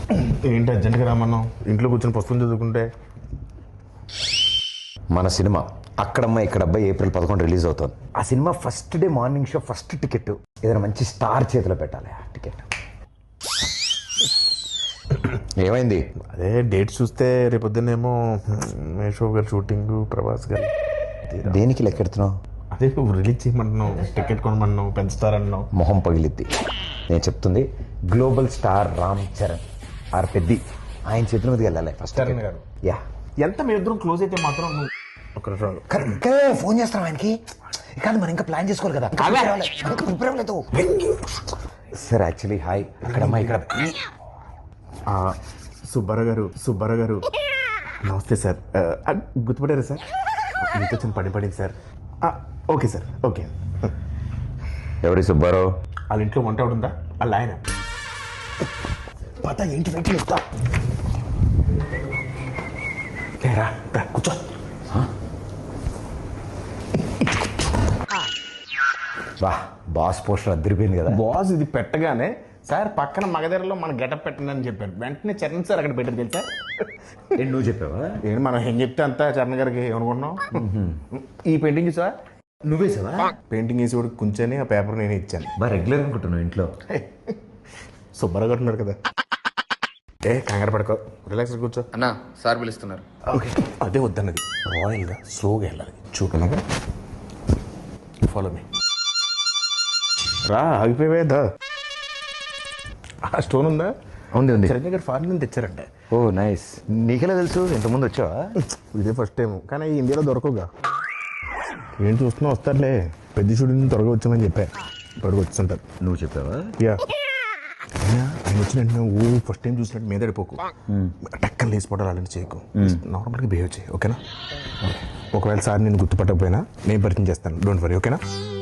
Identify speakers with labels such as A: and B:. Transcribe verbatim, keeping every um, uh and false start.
A: ఏంటి అర్జెంట్గా రామన్నాం? ఇంట్లో కూర్చొని పుస్తకం చదువుకుంటే.
B: మన సినిమా అక్కడమ్మ ఇక్కడబ్బాయి ఏప్రిల్ పదకొండు రిలీజ్ అవుతుంది. ఆ cinema first day morning show first ticket ఏదైనా మంచి స్టార్ చేతిలో పెట్టాలి. ఆ టికెట్ ఏమైంది?
A: అదే డేట్ చూస్తే రేపొద్దునేమో మేషో గారు షూటింగ్, ప్రభాస్ గారు.
B: దేనికి లెక్కెడుతున్నావు?
A: అదే నువ్వు రిలీజ్ చేయమంటున్నావు, టికెట్ కొనమన్నావు, పెంచుతారన్నావు.
B: మొహం పగిలిద్ది. నేను చెప్తుంది global star Ram Charan R Peddi ఆయన చేతుల మీదకి వెళ్ళాలి ఫస్ట్.
A: చరణ్ గారు
B: యా
A: ఎంత మీ ఇద్దరం క్లోజ్ అయితే మాత్రం నువ్వు ఒక నిమిషం
B: కరెక్ట్ ఫోన్ చేస్తాం ఆయనకి. కాదు మనం ఇంకా ప్లాన్ చేసుకోవాలి కదా. ప్రిపేర్ అవ్వలేదు సార్. యాక్చువల్లీ హాయ్ అక్కడమ్మా ఇక్కడ
A: సుబ్బారావు గారు సుబ్బారావు గారు నమస్తే సార్. గుర్తుపడారా సార్? మీతో చిన్న పని పడింది సార్. Okay sir okay.
B: ఎవరి సుబ్బారావు?
A: వాళ్ళ ఇంట్లో వంట ఉందా? వాళ్ళ ఆయన పత ఏంటి వెంట చెప్తా. లేరా కూర్చో.
B: వా బాస్ పోస్టర్ అదిరిపోయింది కదా.
A: బాస్ ఇది పెట్టగానే సార్ పక్కన మగధరలో మన గెటప్ పెట్టండి అని చెప్పాను. వెంటనే చరణ్ సార్ అక్కడ పెట్టారు తెలుసా.
B: ఏంటి నువ్వు చెప్పావా?
A: ఏంటి మనం ఏం చెప్తే అంతా చరణ్ గారికి ఏమనుకుంటున్నాం. ఈ పెయింటింగ్ చూసా?
B: నువ్వే సార్
A: పెయింటింగ్ వేసి కూడా కూర్చొని ఆ పేపర్ నేనే ఇచ్చాను.
B: బాగా రెగ్యులర్ అనుకుంటున్నావు ఇంట్లో.
A: సుబ్బారావు గారు ఉన్నారు కదా. ఏ కంగారు పడుకో, రిలాక్స్ కూర్చో.
C: అన్నా సార్ పిలుస్తున్నారు.
A: ఓకే అదే వద్దన్నది. రాయల్గా స్లోగా వెళ్ళాలి. చూడగా ఫాలో మీ. రా ఆగిపోయేదా? ఆ స్టోన్ ఉందా?
B: ఉంది ఉంది.
A: చరణ్ గారు ఫారెన్ నుంచి తెచ్చారంట.
B: ఓ నైస్. నీకెలా తెలుసు? ఇంతకుముందు వచ్చావా?
A: ఇదే ఫస్ట్ టైం, కానీ ఇండియాలో దొరకవుగా. ఏంటి చూస్తున్నా? వస్తారులే, పెద్ద షూటింగ్ త్వరగా వచ్చామని చెప్పా. త్వరగా వచ్చుంటారు.
B: నువ్వు చెప్పావా?
A: యా ఆయన వచ్చిన వెంటనే ఊ ఫస్ట్ టైం చూసినట్టు మీద పడిపోకు. టక్కన లేచిపోవడాలు అలాంటి చేయకు. నార్మల్గా బిహేవ్ చేయి ఓకేనా? ఒకవేళ సార్ నేను గుర్తుపట్టకపోయినా నేను పరిచయం చేస్తాను. డోంట్ వరీ ఓకేనా?